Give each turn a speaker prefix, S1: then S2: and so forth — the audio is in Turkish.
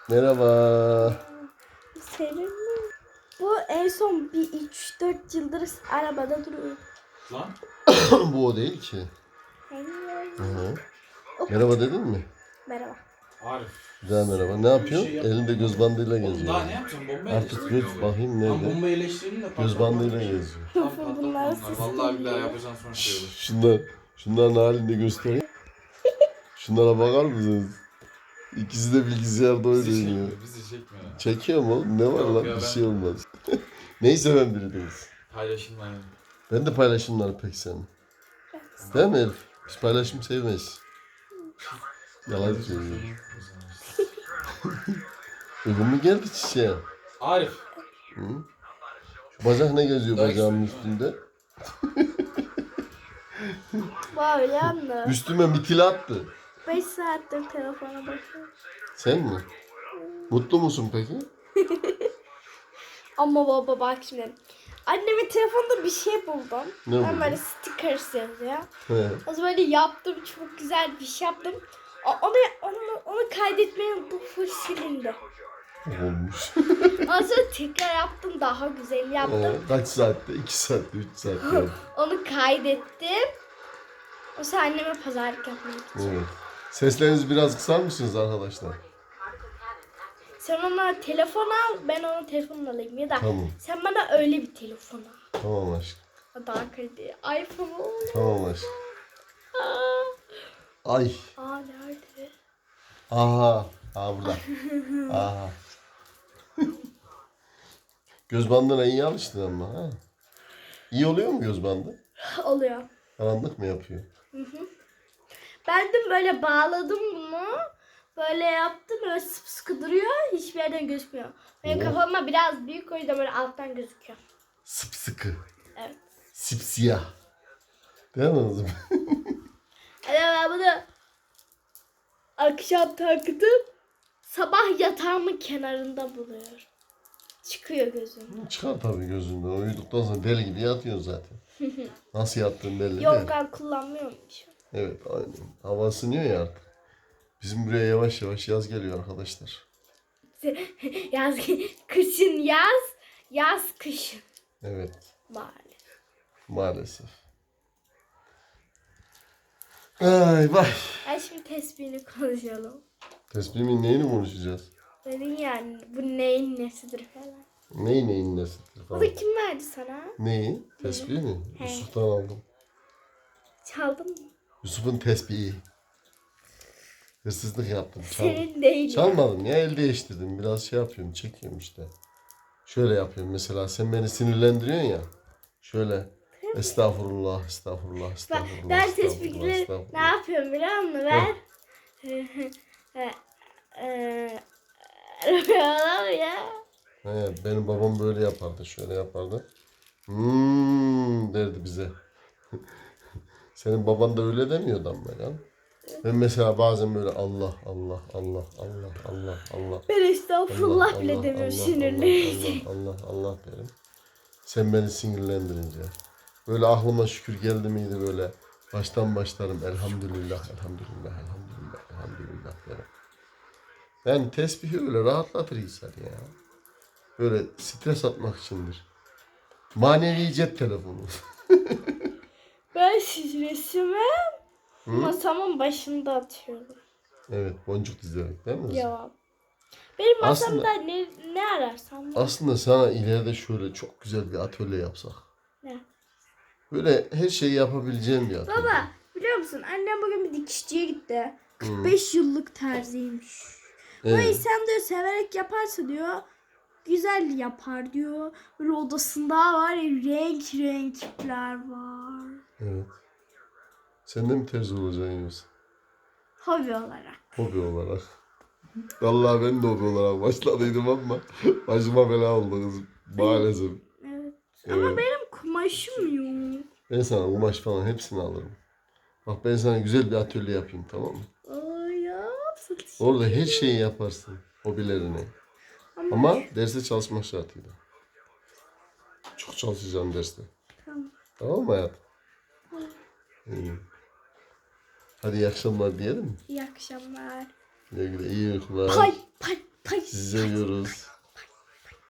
S1: Merhaba.
S2: Senin mi? Bu en son bir 3-4 yıldır arabada duruyor.
S3: Lan.
S1: Bu o değil ki.
S2: Hayır.
S1: Hı. Merhaba dedin mi?
S2: Merhaba.
S3: Arif.
S1: Güzel merhaba. Ne yapıyorsun? Elinde göz bandıyla
S3: Oğlum
S1: geziyor.
S3: daha ne yapacağım? Bomba
S1: Artık
S3: eleştireyim
S1: göz
S3: mi?
S1: bakayım
S3: Lan
S1: nerede?
S3: bomba eleştireyim de
S1: Göz bandıyla geziyor.
S3: Tam patlatma
S2: Bunlar
S3: onlar.
S2: sistem
S3: Vallahi billahi
S2: ya.
S3: yapacağım sonra şey olur.
S1: Şunların halini de göstereyim. Şunlara bakar mısınız? İkisi de bilgisayarda
S3: Bizi
S1: oynuyor.
S3: çekmiyor, bizi çekmiyor.
S1: Çekiyorum oğlum. Ne var
S3: Yok
S1: lan?
S3: ya,
S1: Bir
S3: ben-
S1: şey olmaz. Neyi seven birideyiz.
S3: Paylaşımlar.
S1: Ben de paylaşımları pek sevmem. Değil mi Elif? Biz paylaşım sevmeyiz. Yalan söylüyor. Uygun mu geldi çiçeğe?
S3: Arif.
S1: Hı? Şu bacak ne geziyor
S3: Daha
S1: bacağımın
S3: güzel.
S1: üstünde?
S2: Böyle yandı.
S1: Üstüme mitil attı.
S2: 5 saattir telefona bakıyorum.
S1: Sen mi? Mutlu musun peki?
S2: Ama baba bak şimdi. Annemin telefonunda bir şey buldum.
S1: Ne
S2: Ben
S1: buldun?
S2: böyle stickers yazıyor.
S1: He.
S2: O zaman böyle yaptım. Çok güzel bir şey yaptım. Onu kaydetmeyi unuttum. Full silindi.
S1: Olmuş.
S2: Ondan sonra tekrar yaptım. Daha güzel yaptım.
S1: Kaç saatte? 2 saatte, 3 saatte.
S2: Onu kaydettim. O sonra anneme pazarlık yapmak için.
S1: Evet. Seslerinizi biraz kısar mısınız arkadaşlar?
S2: Sen ona telefon al, ben ona telefonunu alayım. Ya da
S1: Tamam.
S2: sen bana öyle bir telefon al.
S1: Tamam aşkım.
S2: O daha kaliteli. iPhone olur.
S1: Tamam aşkım.
S2: Aa,
S1: Ay.
S2: nerede?
S1: Aha. Aha burada. Aha. Göz bandına iyi alıştın ama ha. İyi oluyor mu göz bandı?
S2: Oluyor.
S1: Karanlık mı yapıyor?
S2: Ben de böyle bağladım bunu. Böyle yaptım. Böyle sıkı duruyor. Hiçbir yerden gözükmüyor. Benim
S1: Oo.
S2: kafama biraz büyük, o yüzden böyle alttan gözüküyor.
S1: Sıpsıkı.
S2: Evet.
S1: Sipsiyah. Değil mi kızım?
S2: Yani ben bunu akşam taktım. Sabah yatağımın kenarında buluyorum. Çıkıyor gözüm.
S1: Çıkar tabii gözünden. Uyuduktan sonra deli gibi yatıyorsun zaten. Nasıl yattığın belli değil.
S2: Yorgan kullanmıyormuşum.
S1: Evet aynen. Hava ısınıyor ya artık. Bizim buraya yavaş yavaş yaz geliyor arkadaşlar.
S2: Yaz, kışın yaz, yaz kışın.
S1: Evet
S2: Maalesef.
S1: maalesef. Ay vay.
S2: Ben şimdi tesbihini konuşalım.
S1: Tespihimin neyini konuşacağız?
S2: Dedin yani bu neyin nesidir falan.
S1: Neyin nesidir falan.
S2: Bunu kim verdi sana?
S1: Neyi? Tesbih mi?
S2: He.
S1: Yusuf'tan aldım.
S2: Çaldın mı?
S1: Yusuf'un tesbihi. Hırsızlık yaptım. Çaldım.
S2: Senin değil.
S1: Çalmadım ya, el değiştirdim. Biraz şey yapıyorum, çekiyorum işte. Şöyle yapıyorum mesela, sen beni sinirlendiriyorsun ya. Şöyle estağfurullah, estağfurullah, estağfurullah.
S2: Ben
S1: estağfurullah,
S2: tespihleri ne
S1: estağfurullah.
S2: yapıyorum biliyor musun? Ben ya.
S1: He, benim babam böyle yapardı, şöyle yapardı. Derdi bize. Senin baban da öyle demiyordu ama ya. Ben mesela bazen böyle Allah, Allah, Allah, Allah, Allah, Allah.
S2: Ben estağfurullah
S1: Allah,
S2: bile
S1: Allah,
S2: demiyorum
S1: Allah,
S2: sinirliyim.
S1: Allah, Allah, Allah derim. Sen beni sinirlendirince. Böyle aklıma şükür geldi miydi böyle. Baştan başlarım. Elhamdülillah, elhamdülillah, elhamdülillah, elhamdülillah derim. Yani tesbihi öyle rahatlatır insan ya. Böyle stres atmak içindir. Manevi cep telefonu.
S2: Ben stresimi masamın başında atıyorum.
S1: Evet, boncuk dizerek değil mi?
S2: Cevap. Benim
S1: Aslında-
S2: masamda ne ararsam var.
S1: Aslında sana ileride şöyle çok güzel bir atölye yapsak.
S2: Ne?
S1: Böyle her şeyi yapabileceğim bir atölye.
S2: Baba biliyor musun annem bugün bir dikişçiye gitti. 45 yıllık terziymiş. Bu
S1: Evet.
S2: insan diyor severek yaparsa diyor güzel yapar diyor. Böyle odasında var ya renk renkler var.
S1: Evet. Sen de mi terzi olacaksın yoksa?
S2: Hobi olarak.
S1: Hobi olarak. Vallahi ben de hobi olarak başladıydım ama başıma bela oldu kızım. Maalesef.
S2: Evet. Ama
S1: Evet.
S2: benim kumaşım yok.
S1: Ben sana kumaş falan hepsini alırım. Bak ben sana güzel bir atölye yapayım, tamam mı?
S2: Ay ya.
S1: Orada her şeyi yaparsın. Hobilerini. Ama derste çalışmak şartıyla. Çok çalışacağım derste.
S2: Tamam.
S1: Tamam mı hayatım? İyi. Hadi iyi akşamlar diyelim mi?
S2: İyi akşamlar.
S1: Güle güle, iyi uykular.
S2: Pay pay pay.
S1: seviyoruz.